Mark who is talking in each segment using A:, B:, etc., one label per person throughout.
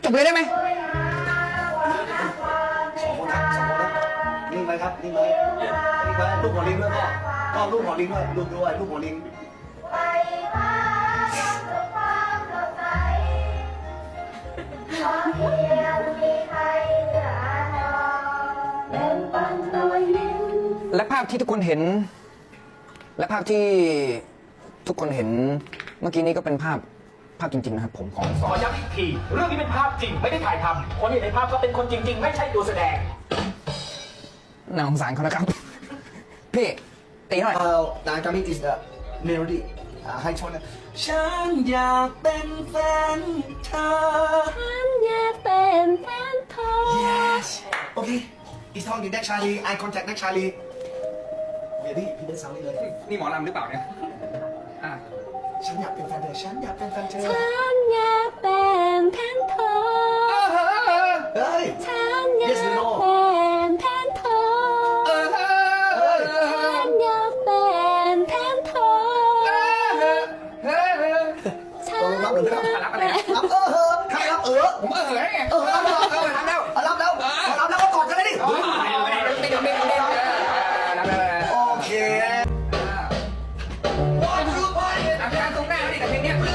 A: จบเลยได้ไหม
B: สองคนนะนิ่งไปครับนิ่งไปลูกหัวลิงด้วยพ่อลูกหัวลิงด้วยลูกหัวลิง
A: และภาพที่ทุกคนเห็น และภาพที่ทุกคนเห็นเมื่อกี้นี้ก็เป็นภาพจริงๆนะครับผมของ
C: ขอย้ำอีกทีเรื่องนี้เป็นภาพจริงไม่ได้ถ่ายทำคนเห็นในภาพก็เป็นคนจริง ๆ ไม่ใช่ตัวแสดง
A: น่าสงสารเขานะครับพี่ตีหน่อย
B: นางจามิ is the melody ให้ชนฉันอยากเป็นแฟนเธอ
D: ฉันอยากเป็นแฟนเธอ
B: yes okay it's talking next Charlie eye contact next Charlie เดี๋ยวพี่เดินสาวนี่เลย
A: นี่หมอลำหรือเปล่าเนี่ย
B: ฉันอยากเป็นแฟนเธอฉันอยากเป็นแฟนเธอ
D: ฉันอยากเป็นแฟนเธอ
B: เฮ้ย
D: ฉันอยากเป็นแฟนเธอฉันอยากเป็นแฟนเธอฉันอยากเป็น
B: รับอะไรนะรับใครรับ
A: ผมได้ไง
B: รับแล้วก็กอดกันเลยดิโอเค
A: การตรงหน้าดิกับเพลงนี้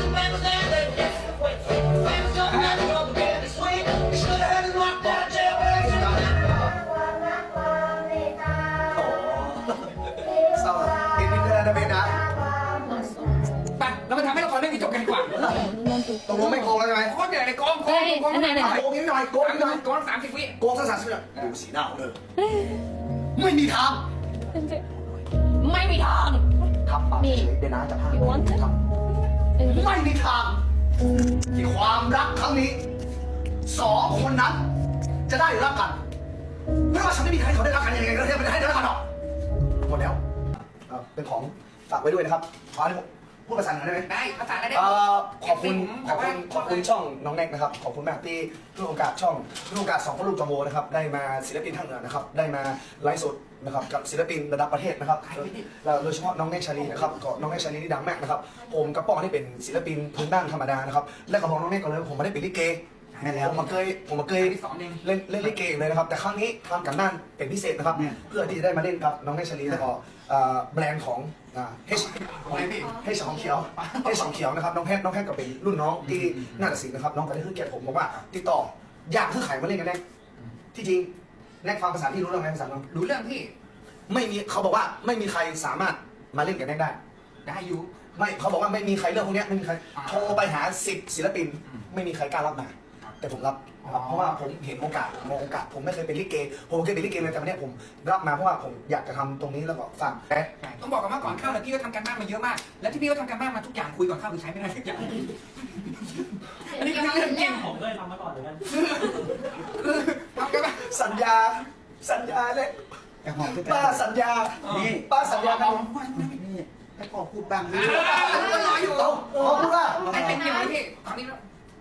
B: เศร้าเป็นวินเทอร์นะเบนนะ
A: ไปเรามาทำให้ละครเรื่องนี้จบกันดีกว่า
B: ตกลงไม่โกงแล้วใช่ไหม
A: โคตรเหนื่อยเลยโกง
B: โกงนิดหน่อย
A: โกง30 วิ
B: โกงสัก30 วิดูสีหน้าเลยไม่มีทาง
D: ไม่มีทาง
B: ครับเดี๋ยวนะจะพาไม่มีทางที่ความรักครั้งนี้สองคนนั้นจะได้รักกันไม่ว่าฉันไม่มีใครเขาได้รักกันยังไงก็ได้ไม่ได้รักกันหรอกหมดแล้วเป็นของฝากไว้ด้วยนะครับขอให้ผมพูดภาษาเหนือได้ไหม
A: ได้ภาษาอะไรได้
B: ขอบคุณช่องน้องแน็กนะครับขอบคุณมากที่ให้โอกาสช่องให้โอกาส2พ่อลูกจอมโวนะครับได้มาศิลปินทางเหนือนะครับได้มาไลฟ์สดนะครับกับศิลปินระดับประเทศนะครับโดยเฉพาะน้องแน็กชาลีนะครับก็น้องแน็กชาลีนี่ดังมากนะครับผมกับป้องที่เป็นศิลปินพื้นบ้านธรรมดานะครับและก็บอกน้องแน็กก่อนเลยผมไม่ได้เป็นลิเกผมมาเคยเล่นลิเกเลยนะครับแต่ครั้งนี้ทำกันบ้านเป็นพิเศษนะครับเพื่อที่จะได้มาเล่นกับน้องแน็กชาลีแล้วก็แบรนด์ของเฮชของเขียวนะครับน้องแพทย์ก็เป็นรุ่นน้องที่น่าจะสินนะครับน้องก็ได้ขึ้นเกียรติผมบอกว่าติดต่ออยากคือไข่มาเล่นกันแน่ที่จริงแน็กฟังภาษาที่รู้เรื่องไหมภาษาน้อง
A: รู้เรื่องพี่
B: ไม่มีเขาบอกว่าไม่มีใครสามารถมาเล่นกับแน็ก
A: ได้อยู่
B: ไม่เขาบอกว่าไม่มีใครเรื่องพวกนี้ไม่มีใครโทรไปหา10 ศิลปินไม่มีใครกล้ารับมาแต่ผมรับเพราะว่าผมเห็นโอกาสมองโอกาสผมไม่เคยเป็นลิเกผมเคยเป็นลิเกเลยแต่วันนี้ผมรับมาเพราะว่าผมอยากจะทำตรงนี้แล้วก็ฝาก
A: ต้องบอกกันว่าก่อนเข้าเนี่ยพี่ก็ทำการบ้านมาเยอะมากแล้วที่พี่ก็ทำการบ้านมาทุกอย่างคุยก่อนเข้าคือใช้ไม่ได้ทุกอย่างอันนี้ก็เรื่องจริง
C: ผมเคยทำมาก่อนเหมือนกัน
A: ทำกันบ้าน
B: สัญญาเลยป้าสัญญานี่ป้าสัญญากันนี่ให้ขอพูดบ้างนี่
A: รออยู่
B: พูดว่า
A: ให้เป็นอย่างไรพี่ตอนนี้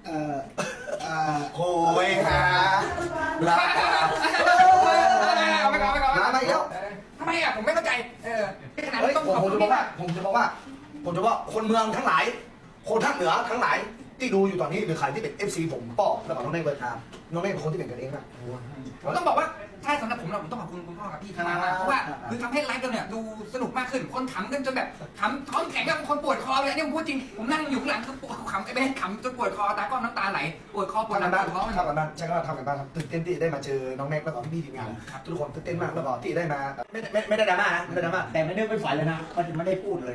B: โอ้ยฮะลา
A: ไม่ก่อน
B: มาอีกแล้ว
A: ทำไมผมไม่เข้าใจขนาดต้อง
B: ผมจะบอกว่าคนเมืองทั้งหลายคนภาคเหนือทั้งหลายที่ดูอยู่ตอนนี้หรือใครที่เป็น FC ผมป้อแล้วก็น้องเน่เบิร์ดครับน้องเน่เป็นคนที่เป็นกันเองนะ
A: ผมต้องบอกว่าใช่สำหรับผมต้องขอบคุณคุณพ่อกับพี่มากเพราะว่าคือทำให้ไลฟ์เราเนี่ยดูสนุกมากขึ้นคนขำกันจนแบบขำท้องแข็งกับคนปวดคอเลยนี่ผมพูดจริงผมนั่งอยู่ข้างหลังคือปวดขำไม่ได้ขำจนปวดคอตาก้อนน้ำตาไหลปวดคอปวดหลังปวดท้อง
B: ทำกันบ้านใช่ก็ทำกันบ้านตื่นเต้นที่ได้มาเจอน้องแม็กแล้วก็พี่ทีมงานทุกคนตื่นเต้นมากแล้วก็ที่ได้มาไม่ได้ดราม่านะไม่ได้ดราม่า
C: แต่ไม่ได้ไม่ฝันเลยนะมันไม่ได้พูดเลย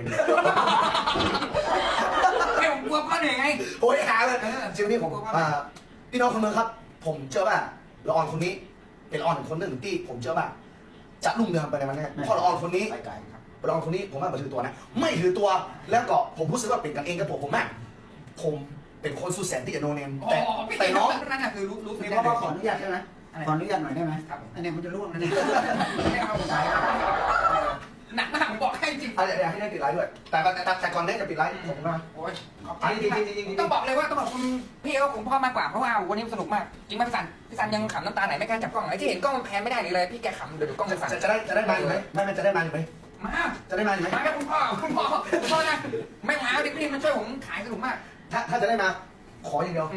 A: ไม่ผมกลัวพ่อเหนื่อยไง
B: โอ้ยหาเลยจริงนี่ผมพี่น้องคนเมืองครับผมเชื่อว่าละออนคนนี้เป็นละออนคนหนึ่งที่ผมเชื่อว่าจะลุ่งเรืองไปในวันนี้เพราะละออนคนนี้ละออนคนนี้ผมว่าไม่ถือตัวนะไม่ถือตัวแล้วก็ผมรู้สึกว่าเป็นกันเองกับผมมากผมเป็นคนสุดแสนที่จะโนเนมแต่น้อง
A: นั่นคือรู้
C: เพราะว่าขออนุญาตใช่ไหมขออนุญาตหน่อยได้ไหมอันนี้มันจะร่วงนะเนี่ย
A: ไม่เอาผมหนักมากผมบอกให้จริง
B: เดี๋ยวให้ได้ปิดไลฟ์ด้วยแต่ก่อนได้จะปิดไลฟ์ผมนะ
A: โอ้ยจริงต้องบอกเลยว่าต้องขอบคุณพี่เขาผมพ่อมากกว่าเพราะว่าวันนี้สนุกมากจริงไหมพี่สันยังขำน้ำตาไหนไม่กล้าจับกล้องไอ้ที่เห็นกล้องมันแพนไม่ได้เลยพี่แกขำเดี๋ยวดูกล้องมันสั่น
B: จะได้มาอยู่ไหมไม่จะได้มาอยู่ไหม
A: มา
B: จะได้มาอยู่ไหม
A: มาแม่คุณพ่อนะไม่มาดิพี่มันช่วยผมขายสนุกมาก
B: ถ้าจะได้มาขออย่างเดียวข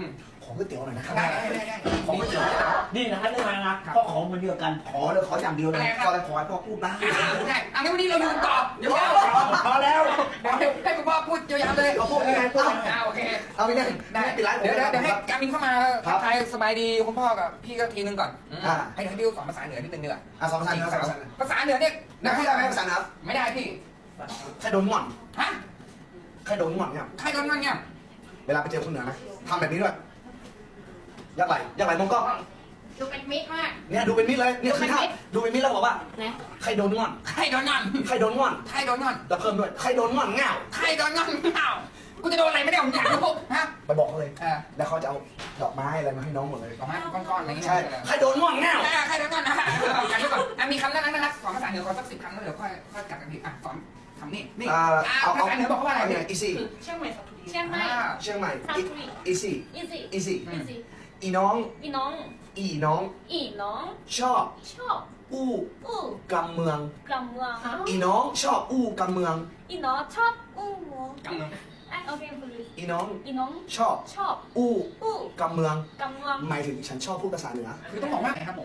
B: ขอก๋วยเตี๋ยวหน่อยนะครับ
A: ได้
B: ขอก๋วยเตี๋ยว
E: นี่นะท่านเรื่องอะไรนะพ่อของมันเดียวกัน
B: ขอเลยขออย่างเดียวเลยก็เลยขอให้พ่อพูดบ้าง
A: ได้อันนี้วันนี้เราอยู่ต่อเดี๋ยว
E: พอแล้ว
A: ให้คุณพ่อพูดยาวๆเลย
B: เอาพูดยังไงพูด
A: โอเค
B: เอาไปเนี่ย
A: ได้
B: ปิดไลฟ์ผม
A: เดี๋ยว
B: นะ
A: ให้
B: ครับ
A: การมินเข้ามาทักทายสบายดีคุณพ่อกับพี่ก็ทีนึงก่อน
B: อ่า
A: ให้พี่สอนภาษาเหนือนิดนึงดีกว่า
B: สองภาษาเหนือสองภาษาเหนือ
A: ภาษาเหนือเนี่ย
B: ได้ไหมภาษาเหนือ
A: ไม่ได้พี่
B: ใครโดนง่อน
A: ฮะ
B: ใครโดนง่อนเนี่ย
A: ใครโดนมันเนี่ย
B: เวลาไปเจอคนเหนือนะทำแบบนี้ด้วยยักไหลมองกล้อง
D: ดูเป็นมิตรมาก
B: เนี่ยดูเป็นมิตรเลยเนี่ยคือท่าดูเป็นมิตรแล้วบอกว่า
D: นะ
B: ใครโดนง่อน
A: ใครโดนงอน
B: ใครโดนง่อน
A: ใครโดนงอน
B: แล้วเพิ่มด้วยใครโดนง่อนง่าว
A: ใครโดนงอนเปล่ากูจะโดนอะไรไม่ได้ผมอยากรู้ฮะ
B: ไปบอกเขาเลย
A: อ่า
B: แล้วเขาจะเอาดอกไม้อะไรมาให้น้องหมดเลย
A: ดอกไม้ก้อนๆอะไรอย่างเงี้ย
B: ใช่ใครโดนง่อนง่าว
A: ใครโดนงอนนะกันด้วยก่อนมีคำน่ารักสอนภาษาเหนือก่อนสัก10 คำแล้วเดี๋ยวค่อยกัดกันทีสอนคำนี้นี่ ภาษาเหนือบอกว่าอะไร
B: เนี่
A: เนี่ย ย
B: อีซี่
D: เชียงใหม่
B: เชียงใหม่อีซี่
D: อีซี่
B: อีซี่
D: อีซี่
B: อีน้อง
D: อีน้อง
B: อีน้อง
D: อีน้อง
B: ชอบ
D: ชอบ
B: อู้
D: อู้
B: กำเมือง
D: กำเมือง
B: อีน้องชอบอู้กำเมือง
D: อีน้องชอบอู้เมือง
A: กำเมือง
D: โอเคคุณลิ
B: อีน้อง
D: อีน้อง
B: ชอบ
D: ชอบ
B: อู้
D: อู้
B: กำเมือง
D: กำเมือง
B: หมายถึงฉันชอบพูดภาษาเหนือ
A: คือต้องบอกว่าไงครับผม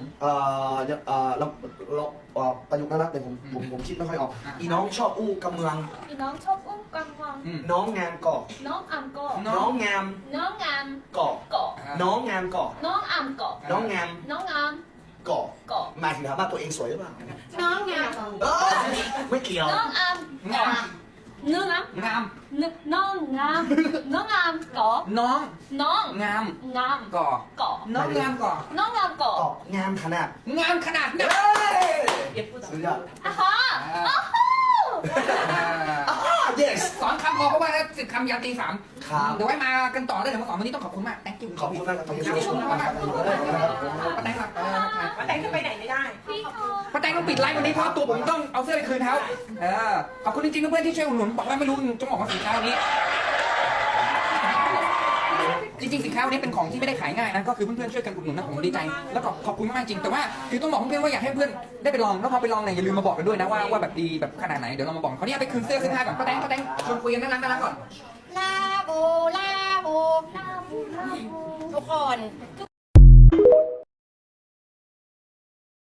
B: เราประยุกต์นั้นนะแต่ผมคิดไม่ค่อยออก อีน้องชอบอู้กำเมือง
D: อีน้องชอบอู้กำเมือง
B: น้องงามเกาะ
D: น้องอ่ำเกาะ
B: น้องงาม
D: น้องงาม
B: เกาะ
D: เกาะ
B: น้องงามเกาะ
D: น้องอ่ำเกาะ
B: น้องงาม
D: น้องงาม
B: เกาะ
D: เกาะ
B: หมายถึงถามว่าตัวเองสวยหรือเปล่า
D: น้องงาม
B: เอ้ยไม่เกี่ยว
D: น้องอ่ำ
A: งาม
D: เนื้องาม
A: งาม
D: น้องงามน้องงามเกาะ
A: น้อง
D: น้อง
A: งาม
D: งาม
A: ก่อ
D: เกาะ
A: น้องงามก่อ
D: น้องงามเกาะ
B: เกาะงามขนาด
A: งามขนาดนั้น
B: เฮ้ยสุดยอด
D: อ่ะฮะอ้าวฮู้
B: yes
A: สอนคำพอเพราะว่าถ้า10 คำยาวตี 3
B: ครับ
A: เดี๋ยวไว้มากันต่อได้เดี๋ยวมาสอนวันนี้ต้องขอบคุณมาก thank you
B: ขอบคุณมากครับ
A: ขอบคุณมากป้าแตงครับ
F: ป้าแตงจะไปไหนไม่ได้
D: พี่เขา
A: ป้าแตงต้องปิดไลฟ์วันนี้เพราะตัวผมต้องเอาเสื้อไปคืนเขาขอบคุณจริงๆเพื่อนๆที่ช่วยอุดหนุนบอกว่าไม่รู้จะบอกว่าสินค้าวันนี้ จริงๆสินค้าวันนี้เป็นของที่ไม่ได้ขายง่ายนะก็คือเพื่อนๆช่วยกันอุดหนุนนะผมดีใจแล้วก็ขอบคุณมากจริงแต่ว่าคือต้องบอกเพื่อนๆว่าอยากให้เพื่อนได้ไปลองแล้วพอไปลองเนี่ยอย่าลืมมาบอกกันด้วยนะว่าแบบดีแบบขนาดไหนเดี๋ยวเรามาบอกเขาเนี่ยไปคืนเสื้อขึ้นผ้าก่อนป้าแตงชวนคุยกันน่ารักก่อน
D: ลาบูลาบูลาบูลาบูทุกคน